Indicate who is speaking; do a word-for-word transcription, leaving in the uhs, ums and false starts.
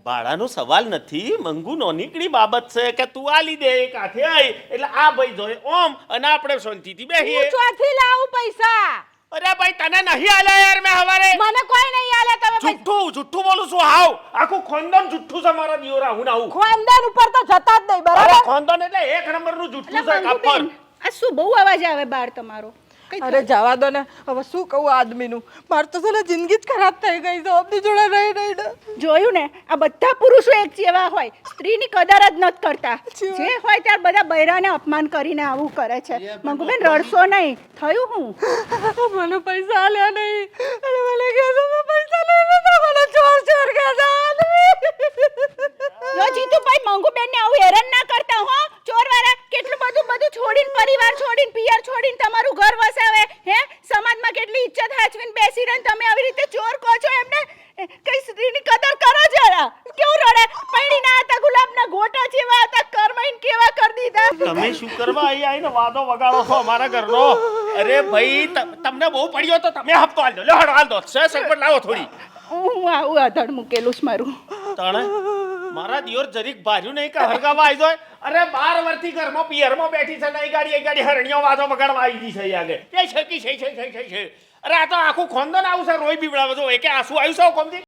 Speaker 1: ભાડાનો સવાલ નથી, મંગુ નોનીકડી બાબત છે કે તું આલી દે એક હાથે આઈ એટલે આ ભાઈ જોય ઓમ અને આપણે શાંતિથી બેહીએ.
Speaker 2: હું ચોથી લાવું પૈસા?
Speaker 1: અરે ભાઈ તને નહીં આલ્યા યાર મેં હવારે.
Speaker 2: મને કોઈ નહીં આલે તમે પૈસા.
Speaker 1: જુઠ્ઠું જુઠ્ઠું બોલું છું હાવ. આખું ખાનદાન જુઠ્ઠું છે મારા દિયોરા હું ના હું.
Speaker 2: ખાનદાન ઉપર તો જતા જ નહીં
Speaker 1: અરે
Speaker 2: બરાબર.
Speaker 1: ખાનદાન એટલે એક નંબરનું જુઠ્ઠું છે
Speaker 3: એટલે
Speaker 1: કાપર.
Speaker 3: મંગુબેન, આ શું બહુ અવાજ આવે બહાર તમારો? કઈ
Speaker 2: અરે જવા દો ને હવે શું કહું આદમીનું. માર તો છે ને જિંદગી જ ખરાબ થઈ ગઈ છે આપની જોડે રહી રહીને.
Speaker 3: જોયું ને, આ બધા પુરુષો એક જેવા હોય, સ્ત્રીની કદર જ નથી કરતા. જે હોય ત્યારે બધા બૈરાને અપમાન કરીને આવું કરે છે. મંગુબેન રડશો નહીં. થયું હું
Speaker 2: મને પૈસા આલ્યા નહીં અને મને કહે છે મેં પૈસા લઈ લીધા. મને ચોર ચોર કહે છે આદમી.
Speaker 3: લો જીતુભાઈ, મંગુબેનને આવું હેરાન ના કરતા હો. ચોરવાળા કેટલું બધું બધું છોડીને, પરિવાર છોડીને, પિયર છોડીને તમારું ઘર વસાવે હે. સમાજમાં કેટલી ઇજ્જત હાચવીને બેસી રહીને તમે આવી રીતે ચોર કહો છો એમને. કઈ સ્ત્રીની કદર કરો જરા. કેવું રડે? પૈણીના હતા, ગુલાબના ગોટા જેવા હતા, કરમાઈને કેવા કરી દીધા.
Speaker 1: તમે શું કરવા અહીં આવીને વાદો વગાડો છો અમારા ઘરનો? અરે ભાઈ તમને બહુ પડ્યો તો તમે હપ્તો હાલ દો. લે હડો હાલ દો. સે સગવડ લાવો થોડી.
Speaker 3: હું આવું આધડ મૂકેલું છે મારું.
Speaker 1: તાણે મારા દિયોર જરીક ભાર્યું નહીં કે હરગાવા આવી જાય. અરે બાર વર્ષથી ઘરમાં પિયરમાં બેઠી છે નહીં ગાડી એ ગાડી હરણીઓ વાદો વગાડવા આવી ગઈ છે આગળ. એ છે કે છે છે છે છે અરે આ તો આખું ખોંદન આવું છે રોઈ બીવડાવે જો એકે આંસુ આવ્યું છે કોમથી.